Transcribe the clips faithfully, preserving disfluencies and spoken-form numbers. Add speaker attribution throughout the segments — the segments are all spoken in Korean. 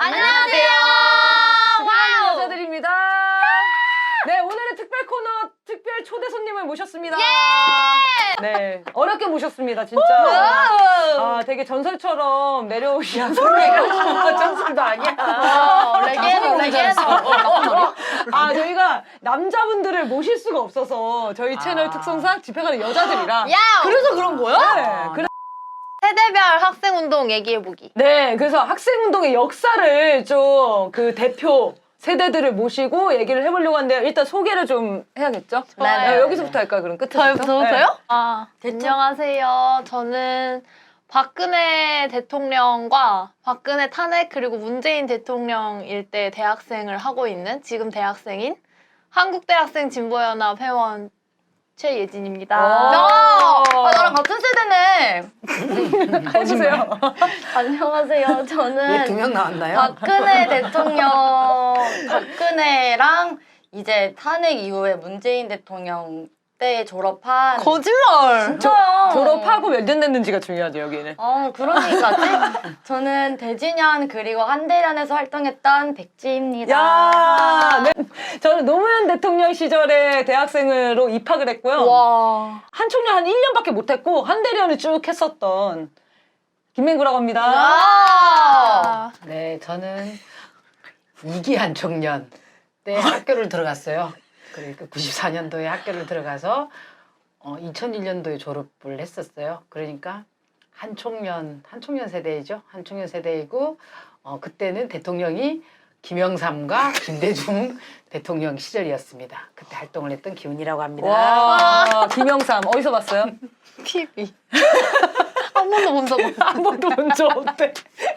Speaker 1: 안녕하세요.
Speaker 2: 와우 여자들입니다. 네, 오늘의 특별 코너 특별 초대 손님을 모셨습니다.
Speaker 1: 예!
Speaker 2: 네, 어렵게 모셨습니다, 진짜.
Speaker 1: 와우.
Speaker 2: 아, 되게 전설처럼 내려오신 손님.
Speaker 3: 전설도 아니야.
Speaker 1: 어, 레게노, 레게노.
Speaker 2: 아, 저희가 남자분들을 모실 수가 없어서 저희 채널
Speaker 3: 아.
Speaker 2: 특성상 집회 가는 여자들이라.
Speaker 1: 야! 그래서 그런 거야?
Speaker 2: 네, 그래.
Speaker 1: 세대별 학생운동 얘기해보기.
Speaker 2: 네, 그래서 학생운동의 역사를 좀 그 대표 세대들을 모시고 얘기를 해보려고 하는데요. 일단 소개를 좀 해야겠죠?
Speaker 1: 네,
Speaker 2: 네, 여기서부터 할까요? 그럼 끝에서부터?
Speaker 1: 저부터요?
Speaker 2: 네.
Speaker 1: 아, 안녕하세요. 저는 박근혜 대통령과 박근혜 탄핵 그리고 문재인 대통령일 때 대학생을 하고 있는 지금 대학생인 한국대학생 진보연합 회원 최예진입니다.
Speaker 2: 야!
Speaker 4: 아, 나랑 같은 세대네.
Speaker 2: 해주세요.
Speaker 4: 안녕하세요. 저는
Speaker 3: 왜 두 명 나왔나요?
Speaker 4: 박근혜 대통령, 박근혜랑 이제 탄핵 이후에 문재인 대통령 때 졸업한.
Speaker 1: 거짓말!
Speaker 4: 진짜요.
Speaker 2: 졸업하고 몇 년 됐는지가 중요하죠, 여기는.
Speaker 4: 어, 그러니까지. 저는 대진현 그리고 한대련에서 활동했던 백지입니다.
Speaker 2: 야, 네. 저는 노무현 대통령 시절에 대학생으로 입학을 했고요.
Speaker 1: 와.
Speaker 2: 한총련 한 일 년밖에 못했고 한대련을 쭉 했었던 김맹구라고 합니다.
Speaker 1: 아.
Speaker 3: 네, 저는 이기한 청년 때 학교를 들어갔어요. 그러니까 구십사 년도에 학교를 들어가서 어, 이천일 년도에 졸업을 했었어요. 그러니까 한총련, 한총련 세대이죠. 한총련 세대이고 어, 그때는 대통령이 김영삼과 김대중 대통령 시절이었습니다. 그때 활동을 했던 기훈이라고 합니다.
Speaker 2: 와, 김영삼 어디서 봤어요?
Speaker 1: 티비. 한 번도 본 적 없어.
Speaker 2: 한 번도 본 적 없대.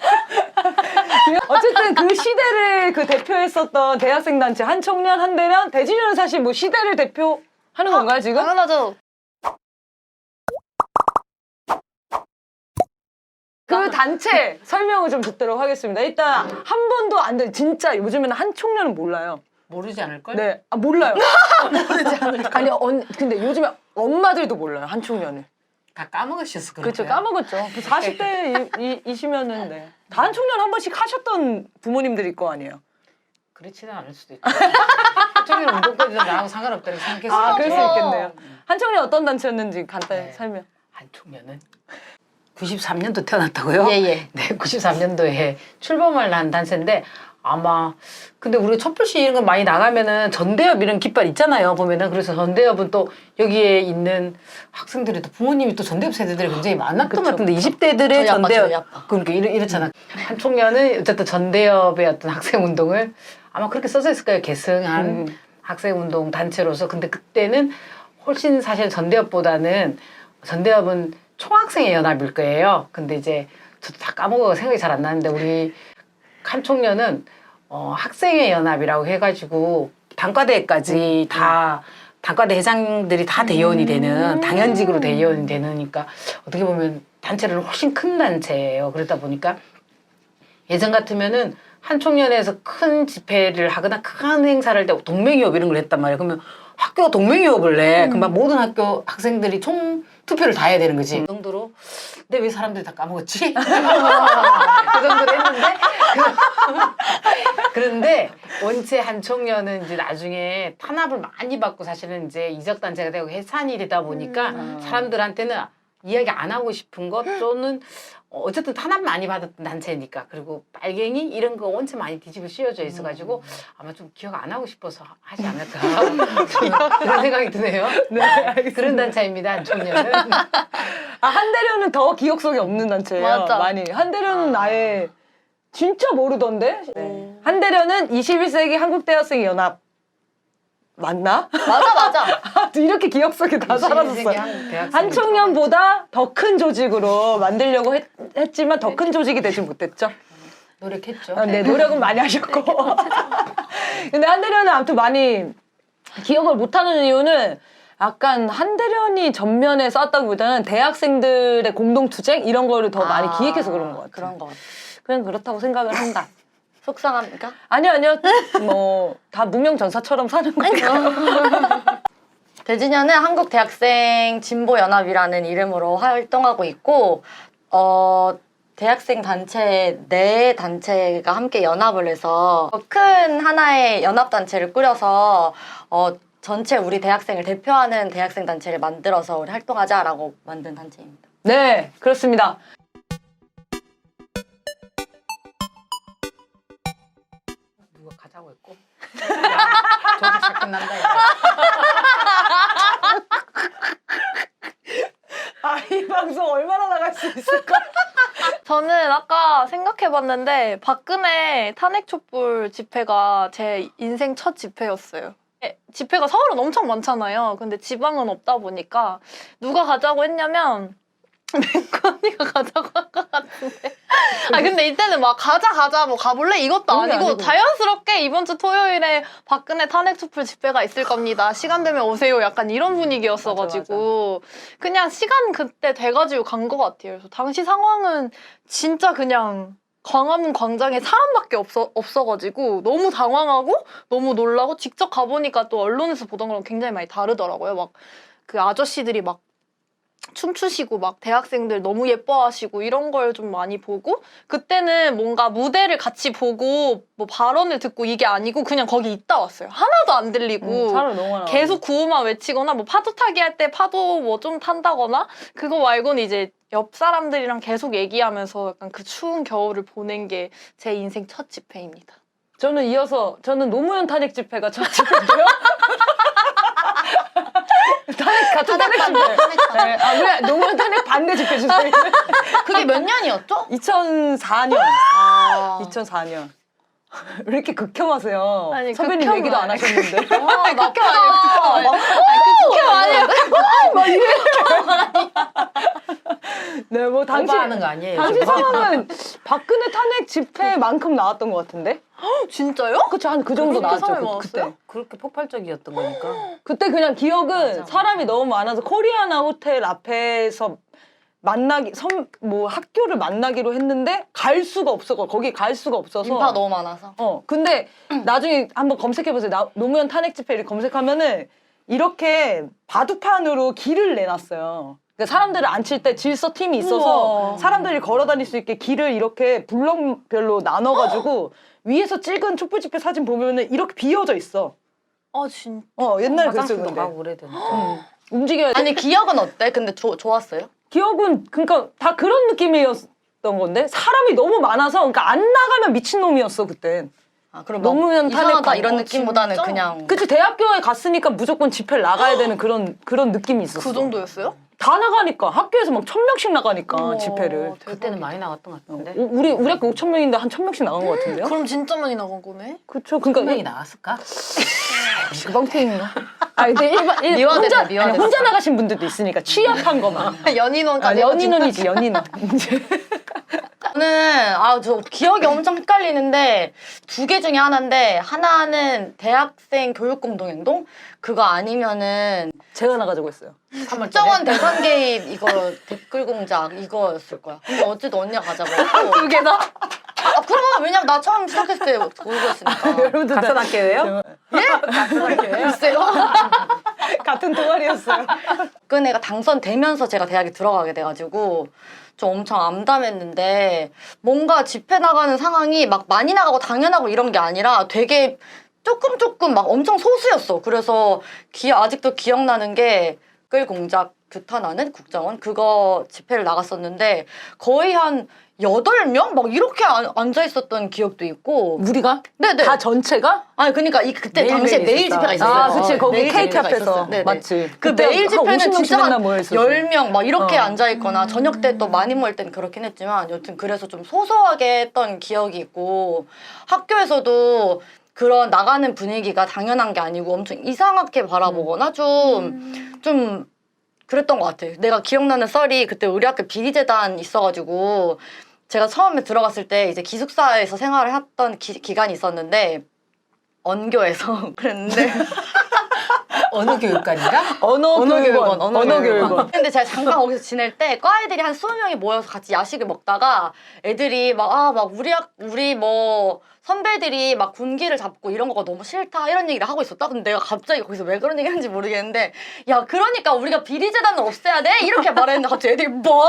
Speaker 2: 어쨌든 그 시대를 그 대표했었던 대학생 단체 한총련, 한대련, 대진련은 사실 뭐 시대를 대표하는 건가요 지금?
Speaker 1: 당연하죠.
Speaker 2: 그 단체 설명을 좀 듣도록 하겠습니다. 일단 한 번도 안 돼. 진짜 요즘에는 한총련은 몰라요.
Speaker 3: 모르지 않을걸?
Speaker 2: 네, 아 몰라요. 모르지 않을까? 아니, 언, 근데 요즘에 엄마들도 몰라요 한총련을.
Speaker 3: 다 까먹으셨어.
Speaker 2: 그렇죠, 까먹었죠. 그 사십 대이시면은 네. 다 한총련 한 번씩 하셨던 부모님들일 거 아니에요.
Speaker 3: 그렇지는 않을 수도 있죠. 한총련 운동 때도 나하고 상관없다고 생각했을 것
Speaker 2: 아,
Speaker 3: 같아요.
Speaker 2: 그럴 수 있겠네요. 한총련 어떤 단체였는지 간단히
Speaker 3: 네.
Speaker 2: 설명.
Speaker 3: 한총련은 구십삼 년도 태어났다고요?
Speaker 4: 예, 예.
Speaker 3: 네, 구십삼 년도에 출범을 한 단체인데 아마 근데 우리가 촛불시 이런 거 많이 나가면은 전대협 이런 깃발 있잖아요. 보면은 그래서 전대협은 또 여기에 있는 학생들이 또 부모님이 또 전대협 세대들이 굉장히 많았던 것 같은데 이십 대들의
Speaker 4: 저희 아빠,
Speaker 3: 전대협
Speaker 4: 저희 아빠.
Speaker 3: 그러니까 이렇, 이렇잖아. 한총련은 어쨌든 전대협의 어떤 학생 운동을 아마 그렇게 써져 있을 거예요. 계승한
Speaker 2: 음. 학생
Speaker 3: 운동 단체로서. 근데 그때는 훨씬 사실 전대협보다는 전대협은 총학생의 연합일 거예요. 근데 이제 저도 다 까먹어 생각이 잘 안 나는데 우리 한총련은 어, 학생의 연합이라고 해가지고 단과대까지 다 단과대 회장들이 다 대의원이 되는 당연직으로 대의원이 되니까 어떻게 보면 단체는 훨씬 큰 단체예요. 그러다 보니까 예전 같으면은 한총련에서 큰 집회를 하거나 큰 행사를 할 때 동맹유업 이런 걸 했단 말이에요. 그러면 학교가 동맹유업을 내. 그러면 모든 학교 학생들이 총 투표를 다 해야 되는 거지. 그 정도로. 근데 왜 사람들이 다 까먹었지? 그 정도로 했는데. 그런데 원체 한총련은 이제 나중에 탄압을 많이 받고 사실은 이제 이적단체가 되고 해산이 되다 보니까
Speaker 2: 음.
Speaker 3: 사람들한테는 이야기 안 하고 싶은 것 또는 어쨌든 탄압 많이 받았던 단체니까 그리고 빨갱이 이런 거 원체 많이 뒤집어 씌워져 있어가지고 아마 좀 기억 안 하고 싶어서 하지 않을까 그런 생각이 드네요.
Speaker 2: 네, 알겠습니다.
Speaker 3: 그런 단체입니다. 한총련은.
Speaker 2: 아, 한대련은 더 기억 속에 없는 단체예요.
Speaker 1: 맞아.
Speaker 2: 많이. 한대련은
Speaker 3: 아.
Speaker 2: 아예 진짜 모르던데?
Speaker 1: 네.
Speaker 2: 한대련은 이십일 세기 한국대학생 연합 맞나?
Speaker 4: 맞아, 맞아.
Speaker 2: 이렇게 기억 속에 다 사라졌어요. 한총련보다 더 큰 조직으로 만들려고 했, 했지만 더 큰 조직이 되지 못했죠.
Speaker 3: 노력했죠.
Speaker 2: 아, 네, 노력은 많이 하셨고. 근데 한대련은 아무튼 많이 기억을 못하는 이유는 약간 한대련이 전면에 쌓았다기보다는 대학생들의 공동투쟁 이런 거를 더 많이
Speaker 4: 아,
Speaker 2: 기획해서 그런 것 같아요.
Speaker 4: 그런 것 같아.
Speaker 2: 그냥 그렇다고 생각을 한다.
Speaker 4: 속상합니까?
Speaker 2: 아니요, 아니요. 뭐 다 무명전사처럼 사는 거니까.
Speaker 4: 대진현은 한국대학생 진보연합이라는 이름으로 활동하고 있고 어, 대학생 단체 네 단체가 함께 연합을 해서 큰 하나의 연합 단체를 꾸려서 어, 전체 우리 대학생을 대표하는 대학생 단체를 만들어서 우리 활동하자라고 만든 단체입니다.
Speaker 2: 네, 그렇습니다.
Speaker 3: 누가 가자고 했고. 저기 잘 끝난다. 야.
Speaker 2: 아, 이 방송 얼마나 나갈 수 있을까?
Speaker 1: 저는 아까 생각해봤는데 박근혜 탄핵 촛불 집회가 제 인생 첫 집회였어요. 예, 집회가 서울은 엄청 많잖아요. 근데 지방은 없다 보니까 누가 가자고 했냐면 맹구 언니가 가자고 한 것 같은데. 아 근데 이때는 막 가자 가자 뭐 가볼래 이것도
Speaker 2: 그게
Speaker 1: 아니고,
Speaker 2: 아니고.
Speaker 1: 자연스럽게 이번 주 토요일에 박근혜 탄핵 촛불 집회가 있을 겁니다. 시간 되면 오세요. 약간 이런 분위기였어가지고 그냥 시간 그때 돼가지고 간 것 같아요. 그래서 당시 상황은 진짜 그냥 광화문 광장에 사람밖에 없어, 없어가지고 너무 당황하고 너무 놀라고, 직접 가보니까 또 언론에서 보던 거랑 굉장히 많이 다르더라고요. 막 그 아저씨들이 막 춤추시고 막 대학생들 너무 예뻐하시고 이런 걸 좀 많이 보고, 그때는 뭔가 무대를 같이 보고 뭐 발언을 듣고 이게 아니고 그냥 거기 있다 왔어요. 하나도 안 들리고
Speaker 2: 음, 사람 너무 많아.
Speaker 1: 계속 구호만 외치거나 뭐 파도 타기 할 때 파도 뭐 좀 탄다거나, 그거 말고는 이제 옆 사람들이랑 계속 얘기하면서 약간 그 추운 겨울을 보낸 게 제 인생 첫 집회입니다.
Speaker 2: 저는 이어서 저는 노무현 탄핵 집회가 첫 집회고요. 탄핵 같은 탄핵 집회. 네, 아, 왜 노무현 탄핵 반대 집회 주세요.
Speaker 4: 그게 몇 년이었죠?
Speaker 2: 이천사 년.
Speaker 4: 아,
Speaker 2: 이천사 년. 왜 이렇게 극혐하세요?
Speaker 1: 아니,
Speaker 2: 선배님
Speaker 1: 극혐은
Speaker 2: 얘기도 안
Speaker 1: 아니고.
Speaker 2: 하셨는데.
Speaker 4: 와, 나쁘다.
Speaker 1: 그게 아니에요.
Speaker 2: 네, 뭐 당시
Speaker 3: 오버하는 거 아니에요?
Speaker 2: 당시
Speaker 3: 지금?
Speaker 2: 상황은 박근혜 탄핵 집회만큼 나왔던 것 같은데.
Speaker 1: 진짜요?
Speaker 2: 그쵸, 한 그 정도
Speaker 1: 그렇게
Speaker 2: 나왔죠.
Speaker 1: 사람이
Speaker 2: 그,
Speaker 1: 많았어요?
Speaker 2: 그때.
Speaker 3: 그렇게 폭발적이었던 거니까.
Speaker 2: 그때 그냥 기억은
Speaker 3: 맞아.
Speaker 2: 사람이 너무 많아서 코리아나 호텔 앞에서 만나기 선 뭐 학교를 만나기로 했는데 갈 수가 없어. 거기 갈 수가 없어서.
Speaker 4: 인파가 너무 많아서.
Speaker 2: 어 근데 나중에 한번 검색해보세요. 나, 노무현 탄핵 집회를 검색하면은 이렇게 바둑판으로 길을 내놨어요. 그러니까 사람들을 앉힐 때 질서 팀이 있어서
Speaker 1: 우와.
Speaker 2: 사람들이 걸어 다닐 수 있게 길을 이렇게 블럭별로 나눠가지고 위에서 찍은 촛불 집회 사진 보면은 이렇게 비어져 있어.
Speaker 1: 아 진짜.
Speaker 2: 어 옛날에 그랬어.
Speaker 3: 화장실도
Speaker 2: 근데
Speaker 3: 가고 그래야 되니까.
Speaker 2: 움직여야 돼.
Speaker 4: 아니 기억은 어때? 근데 조, 좋았어요?
Speaker 2: 기억은 그러니까 다 그런 느낌이었던 건데 사람이 너무 많아서 그러니까 안 나가면 미친놈이었어 그땐.
Speaker 4: 아 그럼 막
Speaker 2: 노무현 탄핵
Speaker 4: 이상하다
Speaker 2: 반-
Speaker 4: 이런
Speaker 1: 어,
Speaker 4: 느낌보다는
Speaker 1: 진짜?
Speaker 4: 그냥
Speaker 2: 그치 대학교에 갔으니까 무조건 집회를 나가야 되는 그런 그런 느낌이 있었어.
Speaker 1: 그 정도였어요?
Speaker 2: 다 나가니까 학교에서 막 천 명씩 나가니까
Speaker 1: 우와,
Speaker 2: 집회를.
Speaker 1: 대박이다.
Speaker 3: 그때는 많이 나갔던 것 같은데.
Speaker 2: 우- 우리 우리 학교 오천 명인데 한 천 명씩 나간 것 같은데요?
Speaker 1: 그럼 진짜 많이 나간 거네?
Speaker 2: 그쵸.
Speaker 3: 분명히
Speaker 2: 그러니까
Speaker 3: 나왔을까?
Speaker 2: 그 방송인가? 아 근데 일반 일,
Speaker 4: 미화됐네,
Speaker 2: 혼자 아니,
Speaker 4: 미화됐어.
Speaker 2: 혼자 나가신 분들도 있으니까 취합한 거만. 아,
Speaker 1: 연인원까지
Speaker 2: 연인원이지 연인원.
Speaker 4: 저는 아 저 기억이 엄청 헷갈리는데 두 개 중에 하나인데 하나는 대학생 교육 공동행동 그거 아니면은
Speaker 2: 제가 나가자고 했어요.
Speaker 4: 국정원 대선 개입 이거 댓글 공작 이거였을 거야. 근데 어쨌든 언니가 가자고 했고
Speaker 1: 두 개다?
Speaker 4: 아 그럼 왜냐면 나 처음 시작했을 때 모르겠으니까
Speaker 2: 여러분들
Speaker 3: 같은
Speaker 2: 다-
Speaker 3: 학교예요?
Speaker 4: 글쎄요.
Speaker 2: 같은 동아리였어요.
Speaker 4: 박근혜가 당선되면서 제가 대학에 들어가게 돼가지고 좀 엄청 암담했는데 뭔가 집회 나가는 상황이 막 많이 나가고 당연하고 이런 게 아니라 되게 조금 조금 막 엄청 소수였어. 그래서 기, 아직도 기억나는 게 댓글 공작 규탄하는 국정원 그거 집회를 나갔었는데 거의 한 여덟 명 막 이렇게 안- 앉아 있었던 기억도 있고.
Speaker 2: 우리가
Speaker 4: 네네.
Speaker 2: 다 전체가?
Speaker 4: 아니 그러니까 이 그때
Speaker 3: 매일
Speaker 4: 당시에
Speaker 3: 매일
Speaker 4: 매일
Speaker 3: 있었다.
Speaker 4: 집회가 있었어요.
Speaker 2: 아, 그치. 거기
Speaker 4: 매일
Speaker 2: 케이크
Speaker 4: 집회가
Speaker 2: 앞에서.
Speaker 4: 있었어요. 네네.
Speaker 2: 맞지.
Speaker 4: 그
Speaker 2: 그때
Speaker 4: 매일
Speaker 2: 한
Speaker 4: 집회는
Speaker 2: 오십 명씩
Speaker 4: 진짜
Speaker 2: 맨날
Speaker 4: 한
Speaker 2: 모여있었어.
Speaker 4: 열 명 막 이렇게
Speaker 2: 어.
Speaker 4: 앉아있거나 저녁 때 또 많이 모일 때는 그렇긴 했지만 여튼 그래서 좀 소소하게 했던 기억이 있고 학교에서도 그런 나가는 분위기가 당연한 게 아니고 엄청 이상하게 바라보거나 좀, 좀 그랬던 것 같아. 내가 기억나는 썰이 그때 우리 학교 비리재단 있어가지고 제가 처음에 들어갔을 때 이제 기숙사에서 생활을 했던 기, 기간이 있었는데 언교에서 그랬는데
Speaker 3: 어느 교육관인가?
Speaker 2: 언어
Speaker 4: 언어교육원,
Speaker 2: 교육원. 언어
Speaker 4: 언어교육원.
Speaker 2: 교육원.
Speaker 4: 근데 제가 잠깐 거기서 지낼 때 과애들이 한 스무 명이 모여서 같이 야식을 먹다가 애들이 막 아 막 우리 학 우리 뭐 선배들이 막 군기를 잡고 이런 거가 너무 싫다 이런 얘기를 하고 있었다. 근데 내가 갑자기 거기서 왜 그런 얘기 하는지 모르겠는데 야 그러니까 우리가 비리재단을 없애야 돼? 이렇게 말했는데 갑자기 애들이 뭐?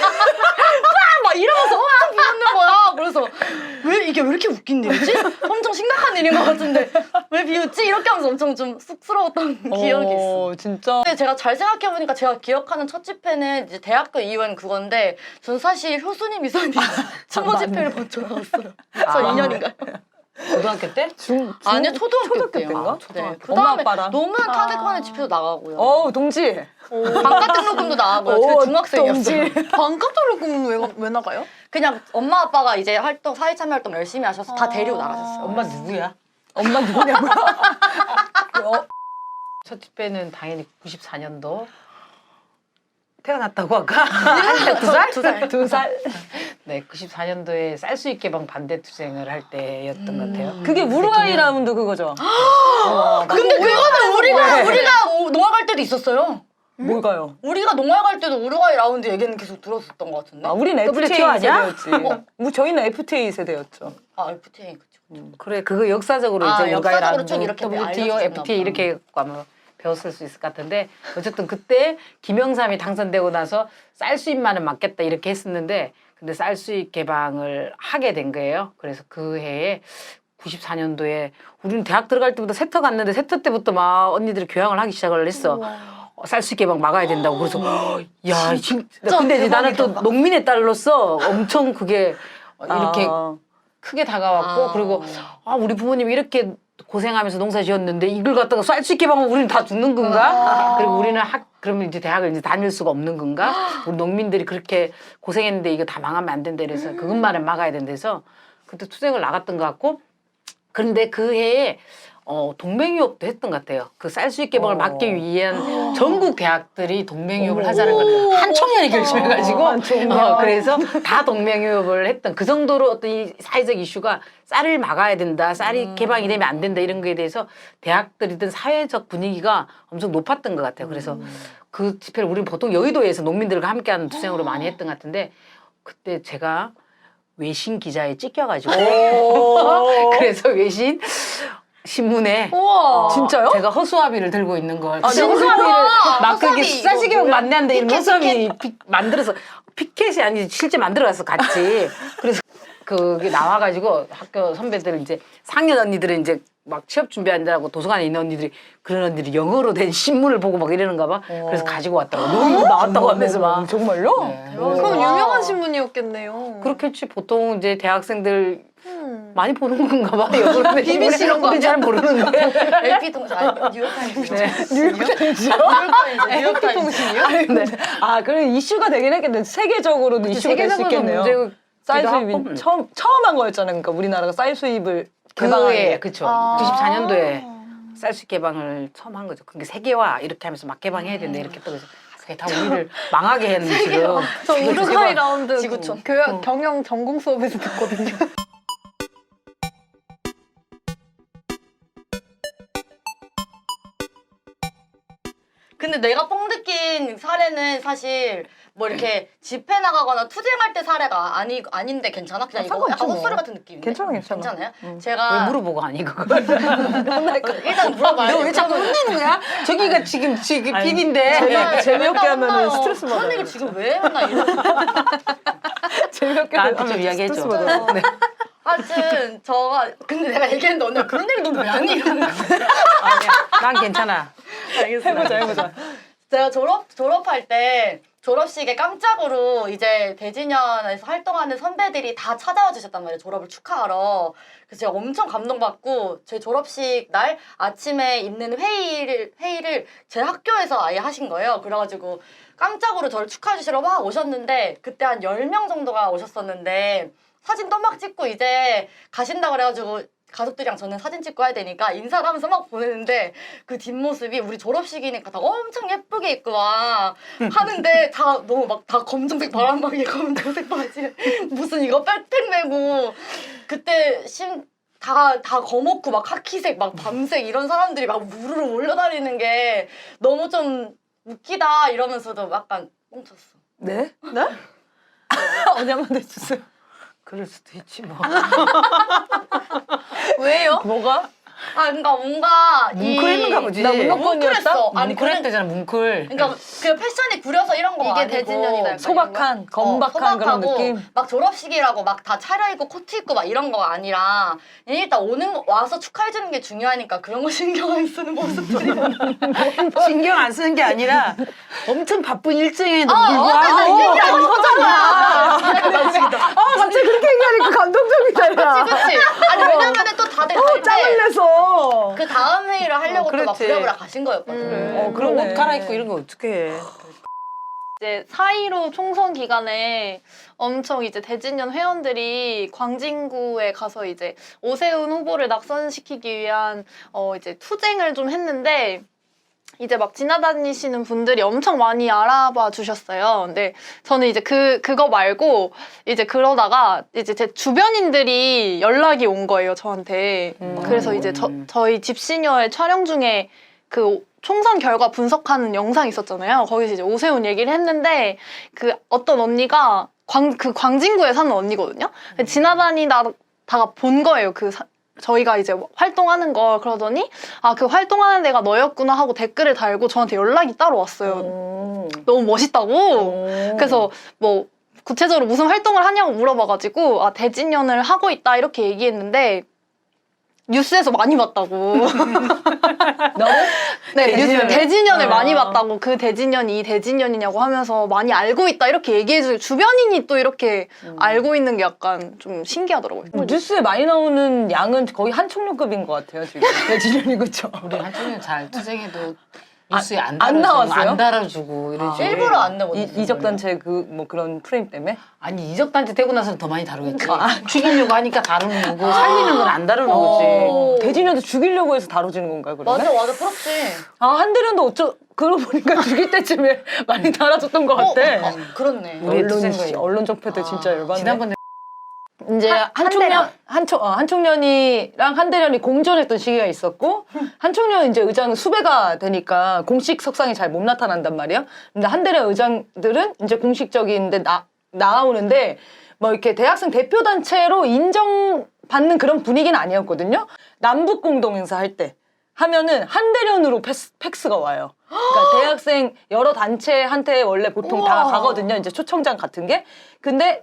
Speaker 4: 막 이러면서 엄청 비웃는 거야. 그래서 왜 이게 왜 이렇게 웃긴 일이지? 엄청 심각한 일인 것 같은데 왜 비웃지? 이렇게 하면서 엄청 좀 쑥스러웠던 기억이 있어.
Speaker 2: 어, 진짜.
Speaker 4: 근데 제가 잘 생각해보니까 제가 기억하는 첫 집회는 이제 대학교 이후엔 그건데 전 사실 효수님 이사님 추모 집회를 먼저 나왔어요. 저 이 년인가요?
Speaker 3: 고등학교 때?
Speaker 2: 중, 중
Speaker 4: 아니요 초등학교,
Speaker 2: 초등학교
Speaker 4: 때요.
Speaker 2: 때인가?
Speaker 4: 네.
Speaker 2: 초등학교.
Speaker 4: 그
Speaker 2: 엄마
Speaker 4: 다음에
Speaker 2: 아빠랑.
Speaker 4: 노무현 탄핵관의 집회도 나가고요.
Speaker 2: 어우, 동지.
Speaker 4: 반값 등록금도 나가고요.
Speaker 2: 오,
Speaker 4: 그 중학생이었어요.
Speaker 2: 동지.
Speaker 1: 반값 등록금은 왜, 왜 나가요?
Speaker 4: 그냥 엄마 아빠가 이제 활동 사회참여 활동 열심히 하셔서 다
Speaker 1: 아.
Speaker 4: 데리고 나가셨어요.
Speaker 3: 엄마 누구야?
Speaker 2: 엄마 누구냐고. 어,
Speaker 3: 첫 집회는 당연히 구십사 년도 태어났다고 아까 두 살?
Speaker 4: 두 살.
Speaker 2: 두 살.
Speaker 3: 네, 구십사 년도에 쌀수익 개방 반대 투쟁을 할 때였던 것 같아요.
Speaker 2: 그게 우루과이 라운드 그거죠.
Speaker 4: 근데 그거는 우리가
Speaker 2: 왜?
Speaker 4: 우리가 오- 농활 갈 때도 있었어요.
Speaker 2: 뭘까요?
Speaker 4: 우리가 농활 갈 때도 우루과이 라운드 얘기는 계속 들었었던 것 같은데.
Speaker 2: 아, 우리는
Speaker 3: 더블유티오
Speaker 2: 에프티에이
Speaker 3: 아니야?
Speaker 2: 세대였지. 뭐 저희는 에프티에이 세대였죠.
Speaker 4: 아 에프티에이 그쵸.
Speaker 3: 그래, 그거 역사적으로
Speaker 4: 아,
Speaker 3: 이제
Speaker 4: 역사적으로 좀 이렇게
Speaker 3: 더블유티오,
Speaker 4: 알려주셨나
Speaker 3: 에프티에이
Speaker 4: 보다.
Speaker 3: 이렇게 아마 배웠을 수 있을 것 같은데 어쨌든 그때 김영삼이 당선되고 나서 쌀 수입만은 막겠다 이렇게 했었는데 근데 쌀 수입 개방을 하게 된 거예요. 그래서 그 해에 구십사 년도에 우리는 대학 들어갈 때부터 세터 갔는데 세터 때부터 막 언니들이 교양을 하기 시작을 했어. 어, 쌀 수입 개방 막아야 된다고. 그래서 야, 진짜. 근데 이제 나는 또
Speaker 4: 대박이다.
Speaker 3: 농민의 딸로서 엄청 그게 이렇게
Speaker 2: 아.
Speaker 3: 크게 다가왔고
Speaker 4: 아.
Speaker 3: 그리고 아 우리 부모님이 이렇게 고생하면서 농사 지었는데 이걸 갖다가 쌀 수 있게 하면 우리는 다 죽는 건가?
Speaker 4: 아.
Speaker 3: 그리고 우리는 학 그러면 이제 대학을 이제 다닐 수가 없는 건가? 우리 농민들이 그렇게 고생했는데 이거 다 망하면 안 된다 그래서 그것만은 막아야 된대서 그때 투쟁을 나갔던 것 같고 그런데 그 해에 어, 동맹유업도 했던 것 같아요. 그 쌀 수입 개방을
Speaker 2: 어.
Speaker 3: 막기 위한 전국 대학들이 동맹유업을 하자는 걸 한 청년이 결심해가지고
Speaker 2: 한 청년.
Speaker 3: 어, 그래서 다 동맹유업을 했던 그 정도로 어떤 이 사회적 이슈가 쌀을 막아야 된다, 쌀이 개방이 되면 안 된다 이런 거에 대해서 대학들이든 사회적 분위기가 엄청 높았던 것 같아요. 그래서 그 집회를 우리는 보통 여의도에서 농민들과 함께하는 투쟁으로 많이 했던 것 같은데 그때 제가 외신 기자에 찢겨가지고 그래서 외신 신문에
Speaker 1: 우와.
Speaker 2: 진짜요?
Speaker 3: 제가 허수아비를 들고 있는 걸.
Speaker 2: 아,
Speaker 3: 그
Speaker 2: 허수아비를
Speaker 3: 막
Speaker 4: 허수아비
Speaker 3: 그게
Speaker 4: 이거
Speaker 3: 쌀시계면
Speaker 4: 뭐야?
Speaker 3: 만났는데 이런
Speaker 4: 피켓,
Speaker 3: 허수아비 피- 만들어서 피켓이 아니지 실제 만들어가서 같이 그래서 그게 나와가지고 학교 선배들 이제 상년 언니들은 이제 막 취업 준비한다고 도서관에 있는 언니들이 그런 언니들이 영어로 된 신문을 보고 막 이러는가 봐. 그래서 가지고 왔더라고. 너 이거 나왔다고 하면서 막.
Speaker 2: 정말요?
Speaker 3: 네.
Speaker 1: 그럼 유명한 신문이었겠네요.
Speaker 3: 그렇겠지. 보통 이제 대학생들
Speaker 1: 음.
Speaker 3: 많이 보는 건가 봐. 영어로 된
Speaker 1: 비비씨 이런 거
Speaker 3: 신문을. 우린 잘 모르는데.
Speaker 4: 엘피 통신 아니 뉴욕타임즈.
Speaker 3: 네.
Speaker 4: 뉴욕타임즈. 뉴욕타임즈.
Speaker 1: 통신이요?
Speaker 2: 네. 아, 그럼 이슈가 되긴 했겠네. 세계적으로도 이슈가 될 수
Speaker 3: 세계적으로
Speaker 2: 있겠네요.
Speaker 3: 문제고
Speaker 2: 쌀
Speaker 3: 기도
Speaker 2: 수입이
Speaker 3: 하고.
Speaker 2: 처음 처음 한 거였잖아요. 그러니까 우리나라가 쌀 수입을 개방한
Speaker 3: 그해
Speaker 2: 게.
Speaker 3: 그쵸.
Speaker 1: 아.
Speaker 3: 구십사 년도에 쌀수 개방을 처음 한 거죠. 그게 세계화 이렇게 하면서 막 개방해야 된다 이렇게 또 그래서 그게 다 우리를 망하게 했는 지금.
Speaker 1: 저
Speaker 3: 이거
Speaker 1: 우루과이
Speaker 3: 제발-
Speaker 1: 라운드
Speaker 4: 지구촌.
Speaker 1: 교양 경영 전공 수업에서 듣거든요.
Speaker 4: 근데 내가 뻥 느낀 사례는 사실 뭐 이렇게 집회 나가거나 투쟁할 때 사례가 아니 아닌데 괜찮아? 그냥
Speaker 2: 아,
Speaker 4: 이거
Speaker 2: 상관없죠,
Speaker 4: 약간
Speaker 2: 뭐.
Speaker 4: 헛소리 같은 느낌인데.
Speaker 2: 괜찮아, 괜찮아.
Speaker 4: 괜찮아요?
Speaker 2: 응.
Speaker 4: 제가
Speaker 3: 왜 물어보고 하니 그걸?
Speaker 4: 일단 물어봐야
Speaker 3: 너 왜 자꾸 혼내는 거야? 저기가 지금 지금
Speaker 2: 아니,
Speaker 3: 피디인데.
Speaker 2: 재미- 재미없게
Speaker 4: 맨날
Speaker 2: 하면은
Speaker 4: 혼나요.
Speaker 2: 스트레스
Speaker 4: 그런
Speaker 2: 받아요.
Speaker 4: 얘기 지금 왜 맨날 이래?
Speaker 2: 재미없게
Speaker 3: 나한테 좀
Speaker 2: 하면
Speaker 3: 이야기해줘.
Speaker 2: 스트레스 받아요.
Speaker 3: 네.
Speaker 4: 하여튼 저가 근데 내가 얘기했는데 언니가 그런 얘기 너는 왜 하니? 이러는 거야.
Speaker 3: 아니야. 난 괜찮아.
Speaker 4: 알겠습니다.
Speaker 2: 해보자, 해보자.
Speaker 4: 제가 졸업 졸업할 때 졸업식에 깜짝으로 이제 대진연에서 활동하는 선배들이 다 찾아와 주셨단 말이에요. 졸업을 축하하러. 그래서 제가 엄청 감동받고 제 졸업식 날 아침에 있는 회의를 회의를 제 학교에서 아예 하신 거예요. 그래가지고 깜짝으로 저를 축하해 주시러 막 오셨는데 그때 한 열 명 정도가 오셨었는데 사진 또막 찍고 이제 가신다 그래가지고 가족들이랑 저는 사진 찍고 해야 되니까 인사를 하면서 막 보내는데 그 뒷모습이 우리 졸업식이니까 다 엄청 예쁘게 입고 막 하는데 다 너무 막 다 검정색 바람막이 검정색 바지 무슨 이거 백팩 메고 그때 심 다, 다 검었고 막 카키색 막 밤색 이런 사람들이 막 무르르 몰려다니는 게 너무 좀 웃기다 이러면서도 약간 뻥쳤어.
Speaker 2: 네? 네? 언니 한번 해주세요.
Speaker 3: 그럴 수도 있지 뭐.
Speaker 1: 왜요?
Speaker 2: 뭐가?
Speaker 4: 아 그러니까 뭔가
Speaker 3: 뭉클했는가 보지.
Speaker 2: 나 문어권이었다?
Speaker 4: 뭉클했어. 아니
Speaker 3: 뭉클했
Speaker 4: 그런
Speaker 3: 대잖아 뭉클.
Speaker 4: 그러니까 그 패션이 구려서 이런 거
Speaker 1: 이게
Speaker 4: 아니고
Speaker 1: 대진년이다, 약간
Speaker 2: 소박한, 건박한 그런
Speaker 4: 소박하고
Speaker 2: 느낌?
Speaker 4: 막 졸업식이라고 막 다 차려입고 코트 입고 막 이런 거 아니라 그냥 일단 오는 거 와서 축하해주는 게 중요하니까 그런 거 신경 안 쓰는 모습들이
Speaker 3: 신경 안 쓰는 게 아니라 엄청 바쁜 일정에도
Speaker 4: 아,
Speaker 3: 불구하고
Speaker 4: 이 얘기하는 거잖아.
Speaker 2: 아, 갑자기 그렇게 얘기하니까 감동적이다, 야.
Speaker 4: 그치 그치. 아니 왜냐면은 또 다들
Speaker 2: 어, 짱을
Speaker 4: 갈때
Speaker 2: 내서.
Speaker 4: 그 다음 회의를 하려고
Speaker 3: 어,
Speaker 4: 또 막
Speaker 3: 그렇지.
Speaker 4: 부랴부랴 가신 거였거든.
Speaker 1: 음.
Speaker 2: 어,
Speaker 3: 그럼
Speaker 2: 그러네.
Speaker 3: 옷 갈아입고 이런 거 어떻게 해?
Speaker 1: 이제 사일오 총선 기간에 엄청 이제 대진년 회원들이 광진구에 가서 이제 오세훈 후보를 낙선시키기 위한 어 이제 투쟁을 좀 했는데 이제 막 지나다니시는 분들이 엄청 많이 알아봐 주셨어요. 근데 저는 이제 그 그거 말고 이제 그러다가 이제 제 주변인들이 연락이 온 거예요, 저한테.
Speaker 2: 음.
Speaker 1: 그래서 이제 저, 저희 집시녀의 촬영 중에 그 총선 결과 분석하는 영상이 있었잖아요. 거기서 이제 오세훈 얘기를 했는데 그 어떤 언니가 광, 그 광진구에 사는 언니거든요. 지나다니다가 본 거예요. 그 사, 저희가 이제 활동하는 걸. 그러더니 아, 그 활동하는 데가 너였구나 하고 댓글을 달고 저한테 연락이 따로 왔어요.
Speaker 2: 오.
Speaker 1: 너무 멋있다고.
Speaker 2: 오.
Speaker 1: 그래서 뭐 구체적으로 무슨 활동을 하냐고 물어봐가지고 아, 대진연을 하고 있다 이렇게 얘기했는데 뉴스에서 많이 봤다고.
Speaker 2: 너무?
Speaker 1: 네, 뉴스
Speaker 3: 대진연을?
Speaker 1: 대진연을
Speaker 2: 아.
Speaker 1: 많이 봤다고. 그 대진연이 이 대진연이냐고 하면서 많이 알고 있다 이렇게 얘기해주고 주변인이 또 이렇게 알고 있는 게 약간 좀 신기하더라고요.
Speaker 2: 뭐 뉴스에 많이 나오는 양은 거의 한총련급인 것 같아요, 지금. 대진련이 그쵸?
Speaker 3: 우리 한쪽은 잘 투쟁해도 뉴스에 안,
Speaker 2: 안
Speaker 3: 달아주고,
Speaker 2: 나왔어요?
Speaker 3: 안 달아주고 이러지.
Speaker 4: 일부러 안 내고
Speaker 2: 이, 이적단체 그 뭐 그런 프레임 때문에?
Speaker 3: 아니 이적단체 되고 나서는 더 많이 다루겠지. 죽이려고 하니까 다루는 거고 살리는 건 안 다루는 거지.
Speaker 2: 어, 대진련도 죽이려고 해서 다뤄지는 건가요, 그러면?
Speaker 4: 맞아 맞아 부럽지.
Speaker 2: 아, 한대련도 어쩌, 그러고 보니까 죽일 때쯤에 많이 달아줬던 것 같아.
Speaker 4: 어, 그렇네.
Speaker 3: 우리의
Speaker 2: 언론,
Speaker 3: 투쟁
Speaker 2: 씨,
Speaker 3: 거예요.
Speaker 2: 언론 적폐들 진짜 열받네.
Speaker 3: 지난번에
Speaker 2: 이제
Speaker 1: 한-
Speaker 2: 한총련 한총 어, 한총련이랑 한대련이 공존했던 시기가 있었고 한총련 이제 의장은 수배가 되니까 공식 석상에 잘 못 나타난단 말이야. 근데 한대련 의장들은 이제 공식적인데 나 나오는데 뭐 이렇게 대학생 대표 단체로 인정받는 그런 분위기는 아니었거든요. 남북 공동 행사 할 때 하면은 한대련으로 팩스, 팩스가 와요. 그러니까 대학생 여러 단체한테 원래 보통 다
Speaker 4: 우와.
Speaker 2: 가거든요. 이제 초청장 같은 게. 근데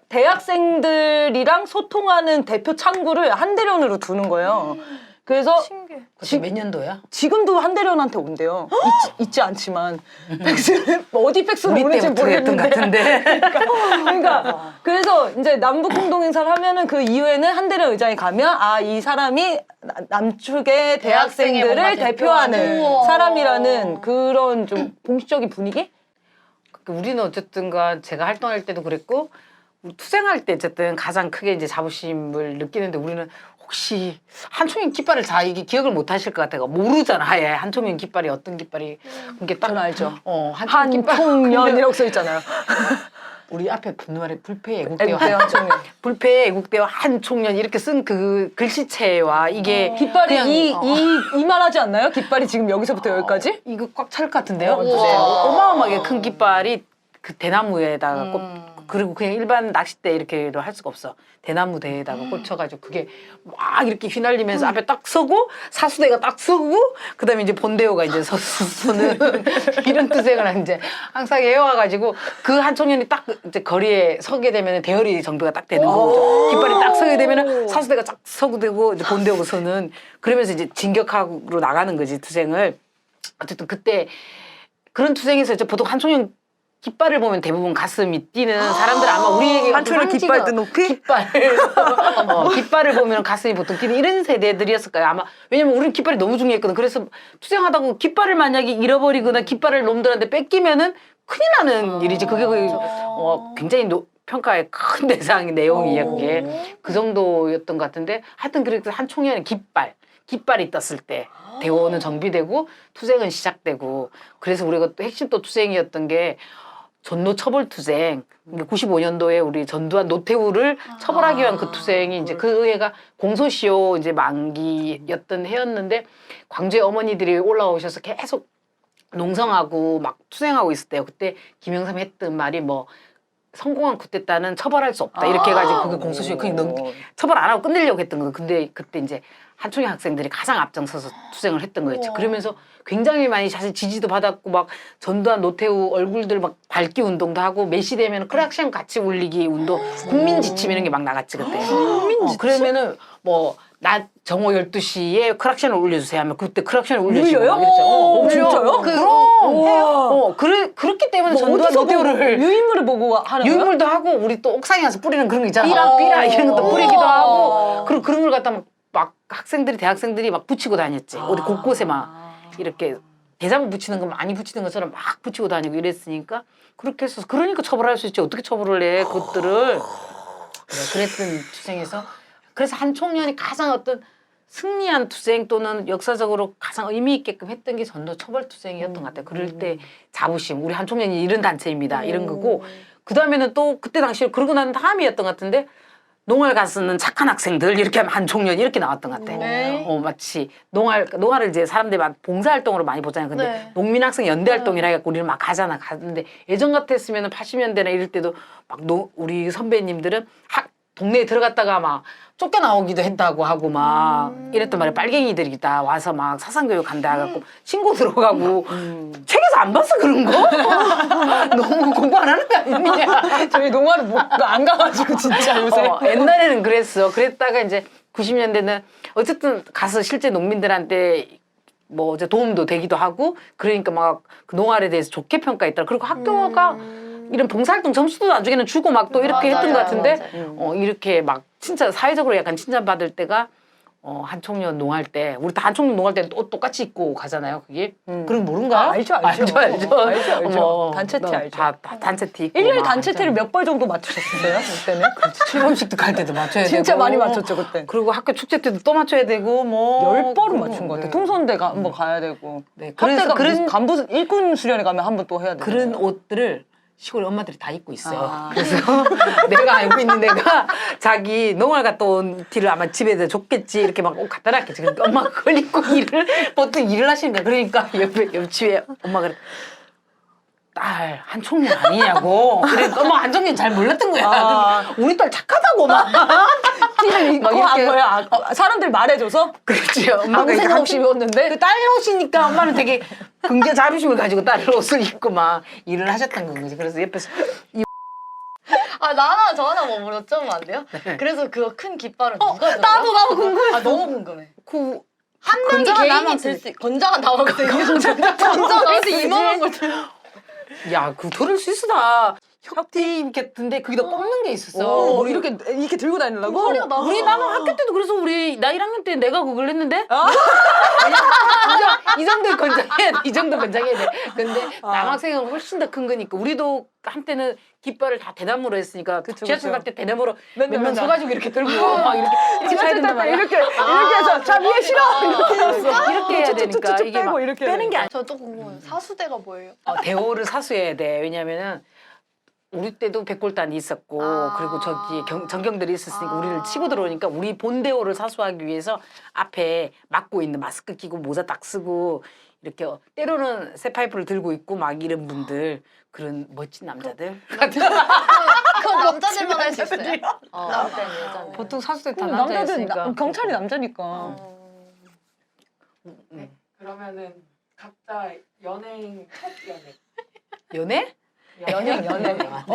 Speaker 2: 대학생들이랑 소통하는 대표 창구를 한대련으로 두는 거예요. 그래서
Speaker 1: 신기해.
Speaker 3: 그때 몇 년도야?
Speaker 2: 지금도 한대련한테 온대요. 있지, 있지 않지만 팩스는 어디 팩스로
Speaker 3: 우리
Speaker 2: 오는지
Speaker 3: 때부터 했던
Speaker 2: 모르겠는데.
Speaker 3: 것 같은데.
Speaker 2: 그러니까 그래서 이제 남북 공동 행사를 하면은 그 이후에는 한대련 의장이 가면 아, 이 사람이 나- 남측의
Speaker 4: 대학생의
Speaker 2: 대학생들을
Speaker 4: 뭔가
Speaker 2: 대표하는
Speaker 4: 대표하는. 우와.
Speaker 2: 사람이라는 그런 좀 공식적인 분위기?
Speaker 3: 그 우리는 어쨌든가 제가 활동할 때도 그랬고 우리 투쟁할 때 어쨌든 가장 크게 이제 자부심을 느끼는데 우리는 혹시 한총련 깃발을 잘 이게 기억을 못 하실 것 같아요. 모르잖아. 아예 한총련 깃발이 어떤 깃발이 그게 딱
Speaker 2: 저는 알죠.
Speaker 3: 어, 한총련 깃발
Speaker 2: 한총련이라고 써 있잖아요.
Speaker 3: 우리 앞에 분말에 불패 애국대와
Speaker 2: 애국대와 한총련.
Speaker 3: 불패 애국대와 한총련 이렇게 쓴 그 글씨체와 이게
Speaker 2: 깃발이
Speaker 3: 그냥,
Speaker 2: 이,
Speaker 3: 어.
Speaker 2: 이, 이만하지 않나요? 깃발이 지금 여기서부터 여기까지?
Speaker 3: 이거 꽉 찰 것 같은데요?
Speaker 2: 어,
Speaker 3: 네.
Speaker 4: 진짜요?
Speaker 3: 어마어마하게 큰 깃발이 그 대나무에다가 꽂
Speaker 4: 음.
Speaker 3: 그리고 그냥 일반 낚싯대 이렇게도 할 수가 없어. 대나무 대에다가 꽂혀가지고 그게 막 이렇게 휘날리면서 앞에 딱 서고 사수대가 딱 서고 그다음에 이제 본대호가 이제 서, 서는 이런 투쟁을 이제 항상 해와가지고 그 한총련이 딱 이제 거리에 서게 되면 대열이 정비가 딱 되는 거죠. 깃발이 딱 서게 되면 사수대가 딱 서고 되고 이제 본대호가 서는 그러면서 이제 진격하로 나가는 거지 투쟁을. 어쨌든 그때 그런 투쟁에서 이제 보통 한총련 깃발을 보면 대부분 가슴이 뛰는 사람들 아마 우리에게
Speaker 2: 한총련 깃발 든 높이?
Speaker 3: 깃발 어, 깃발을 보면 가슴이 보통 뛰는 이런 세대들이었을 거예요 아마. 왜냐면 우리는 깃발이 너무 중요했거든. 그래서 투쟁하다고 깃발을 만약에 잃어버리거나 깃발을 놈들한테 뺏기면은 큰일 나는 일이지. 그게 그, 어, 굉장히 노, 평가의 큰 대상 내용이에요. 그게 그 정도였던 것 같은데 하여튼 그렇게 한총련의 깃발 깃발이 떴을 때 대호는 정비되고 투쟁은 시작되고 그래서 우리가 또 핵심 또 투쟁이었던 게 전노 처벌투쟁. 구십오 년도에 우리 전두환 노태우를 처벌하기 위한 그
Speaker 1: 아,
Speaker 3: 투쟁이 이제 그 해가 공소시효 이제 만기였던 해였는데 광주의 어머니들이 올라오셔서 계속 농성하고 막 투쟁하고 있을 때요. 그때 김영삼이 했던 말이 뭐 성공한 쿠데타는 처벌할 수 없다 이렇게 해가지고 그게 공소시효 그냥 넘 처벌 안 하고 끝내려고 했던 거. 근데 그때 이제 한총의 학생들이 가장 앞장서서 투쟁을 했던 거였죠.
Speaker 1: 우와.
Speaker 3: 그러면서 굉장히 많이 사실 지지도 받았고 막 전두환 노태우 얼굴들 막 밝기 운동도 하고 메시 되면 크락시안 같이 울리기 운동 국민 지침 이런 게 막 나갔지 그때. 국민 지침? 어, 그러면은 뭐 낮 정오 열두 시에 크락시안을 울려주세요 하면 그때 크락시안을 울려주고
Speaker 2: 울려요?
Speaker 3: 막 이랬죠. 어,
Speaker 2: 오, 진짜요?
Speaker 3: 그럼.
Speaker 2: 우와.
Speaker 3: 어, 그래, 그렇기 때문에
Speaker 2: 뭐
Speaker 3: 전두환
Speaker 2: 어디서 보고
Speaker 3: 노태우를
Speaker 2: 유인물을 보고 하는 거야?
Speaker 3: 유물도 하고 우리 또 옥상에 가서 뿌리는 그런 거 있잖아.
Speaker 2: 삐라?
Speaker 3: 삐라 이런 것도 뿌리기도
Speaker 2: 우와.
Speaker 3: 하고 그리고 그런 걸 갖다 막, 막 학생들이 대학생들이 막 붙이고 다녔지. 어디 곳곳에 막 이렇게 대자보 붙이는 거 많이 붙이는 것처럼 막 붙이고 다니고 이랬으니까 그렇게 해서 그러니까 처벌할 수 있지. 어떻게 처벌을 해 그것들을. 그래, 그랬던 투쟁에서 그래서 한 총련이 가장 어떤 승리한 투쟁 또는 역사적으로 가장 의미 있게끔 했던 게 전도 처벌 투쟁이었던 것 같아요. 그럴 때 자부심, 우리 한 총련이 이런 단체입니다. 이런 거고 그 다음에는 또 그때 당시에 그러고 난 다음이었던 것 같은데 농활 가서는 착한 학생들 이렇게 하면 한 총련 이렇게 나왔던 것 같아.
Speaker 1: 네.
Speaker 3: 어 마치 농활 농활을 이제 사람들이 막 봉사활동으로 많이 보잖아요. 근데
Speaker 1: 네.
Speaker 3: 농민학생 연대활동이라 해갖고 우리는 막 가잖아. 가는데 예전 같았으면은 팔십 년대나 이럴 때도 막 노, 우리 선배님들은 학 동네에 들어갔다가 막 쫓겨나오기도 했다고 하고 막
Speaker 1: 음.
Speaker 3: 이랬단 말이야. 빨갱이들이 다 와서 막 사상교육 한다 해갖고 신고 들어가고 책에서 안 봤어 그런 거? 너무 공부 안 하는 거 아니냐?
Speaker 2: 저희 농화를 못, 안 가가지고 진짜 요새.
Speaker 3: 어, 옛날에는 그랬어. 그랬다가 이제 구십 년대는 어쨌든 가서 실제 농민들한테 뭐 이제 도움도 되기도 하고 그러니까 막 그 농활에 대해서 좋게 평가했더라. 그리고 학교가
Speaker 1: 음.
Speaker 3: 이런 봉사활동 점수도 나중에는 주고 막 또 이렇게
Speaker 1: 맞아요,
Speaker 3: 했던 것 같은데
Speaker 1: 맞아요.
Speaker 3: 어, 이렇게 막 진짜 사회적으로 약간 칭찬받을 때가 어, 한총련 농할 때 우리 다 한총련 농할 때 옷 똑같이 입고 가잖아요. 그게
Speaker 2: 음.
Speaker 3: 그럼 모른가?
Speaker 2: 아, 알죠, 알죠.
Speaker 3: 알죠, 알죠.
Speaker 2: 알죠, 알죠.
Speaker 3: 어머,
Speaker 2: 단체 티
Speaker 3: 너
Speaker 2: 알죠.
Speaker 3: 다, 다 단체 티 입고
Speaker 2: 일 년에
Speaker 3: 막
Speaker 2: 단체
Speaker 3: 완전
Speaker 2: 티를 몇 벌 정도 맞추셨어요? 그때는?
Speaker 3: 칠 번씩도 갈 때도 맞춰야 되고
Speaker 2: 진짜 많이 맞췄죠, 그때.
Speaker 3: 그리고 학교 축제 때도 또 맞춰야 되고 뭐
Speaker 2: 열 번은
Speaker 3: 그런
Speaker 2: 맞춘 것 같아.
Speaker 3: 네.
Speaker 2: 통선대가 한번 가야 되고.
Speaker 3: 네, 그래서
Speaker 2: 그때가
Speaker 3: 그런
Speaker 2: 그런 간부 일군 수련회 가면 한 번 또 해야 되고.
Speaker 3: 그런 옷들을 시골 엄마들이 다 입고 있어요.
Speaker 2: 아.
Speaker 3: 그래서 내가 알고 있는 애가 자기 농활 갔다 온 티를 아마 집에서 줬겠지 이렇게 막 옷 갖다 놨겠지. 그러니까 엄마가 그걸 입고 일을 보통 일을 하시니까 그러니까 옆에 옆집에 엄마가 그래. 딸 한총련 아니냐고. 그러니까 엄마 한총련 잘 몰랐던 거야.
Speaker 2: 아.
Speaker 3: 그러니까 우리 딸 착하다고 막 티를 입고
Speaker 2: 막 한
Speaker 3: 이렇게
Speaker 2: 거야. 아, 어, 사람들 말해줘서
Speaker 3: 그렇지. 엄마가
Speaker 2: 아무 생각 없이 입었는데.
Speaker 3: 그 딸 옷이니까 엄마는 되게 굉장히 자부심을 가지고 딸 옷을 입고 막 일을 하셨던 건 거지. 그래서 옆에서
Speaker 4: 아, 나 하나, 저 하나 뭐 여쭤보면 안 돼요? 그래서 그거 큰 깃발은 누가 들어요?
Speaker 1: 나도 나도 궁금해.
Speaker 4: 아, 너무 궁금해.
Speaker 3: 그
Speaker 4: 한 명이
Speaker 3: 건장한
Speaker 4: 개인이
Speaker 3: 남학생.
Speaker 4: 들 수, 있- 건장한 남학생. 건장한 이만한 걸 들어.
Speaker 3: 야, 그 들을 수 있어 다. 협팀 같은데 거기다 뽑는 게 있었어.
Speaker 2: 어,
Speaker 3: 우리
Speaker 2: 이렇게 이렇게 들고 다니려고?
Speaker 1: 머리가 나도
Speaker 3: 우리 나는 학교 때도 그래서 우리 나 일 학년 때 내가 그걸 했는데
Speaker 2: 아.
Speaker 3: 이 정도 건장해야 돼. 이 정도 건장해야 돼. 근데
Speaker 2: 아.
Speaker 3: 남학생은 훨씬 더 큰 거니까 우리도 한때는 깃발을 다 대나무로 했으니까
Speaker 2: 그쵸,
Speaker 3: 지하철
Speaker 2: 그쵸.
Speaker 3: 갈 때 대나무로
Speaker 2: 맨날,
Speaker 3: 몇 명
Speaker 2: 맨날.
Speaker 3: 서가지고 이렇게 들고 막 이렇게 이렇게 차야 된단 말이야.
Speaker 2: 이렇게 이렇게 해서 자 위에 실어 이렇게 해서
Speaker 3: 이렇게 해야 되니까
Speaker 2: 쭉쭉쭉쭉
Speaker 3: 이게 막
Speaker 2: 빼고 이렇게
Speaker 3: 빼는 게 아니야.
Speaker 1: 저 또 궁금해요. 사수대가 뭐예요?
Speaker 3: 어, 대호를 사수해야 돼. 왜냐면은 우리 때도 백골단이 있었고
Speaker 1: 아.
Speaker 3: 그리고 저기 경, 전경들이 있었으니까
Speaker 1: 아.
Speaker 3: 우리를 치고 들어오니까 우리 본대호를 사수하기 위해서 앞에 막고 있는 마스크 끼고 모자 딱 쓰고 이렇게 때로는 새 파이프를 들고 있고 막 이런 분들 그런 멋진 남자들
Speaker 4: 그건 남자들만 할 수 있어요? 어, 남자는 여자는.
Speaker 3: 보통 사수대 다
Speaker 2: 음, 남자들
Speaker 3: 남자였으니까
Speaker 2: 나- 경찰이 남자니까
Speaker 1: 어.
Speaker 3: 음.
Speaker 5: 그러면은 각자 연예인 첫 연애.
Speaker 3: 연애?
Speaker 2: 연예인 연예인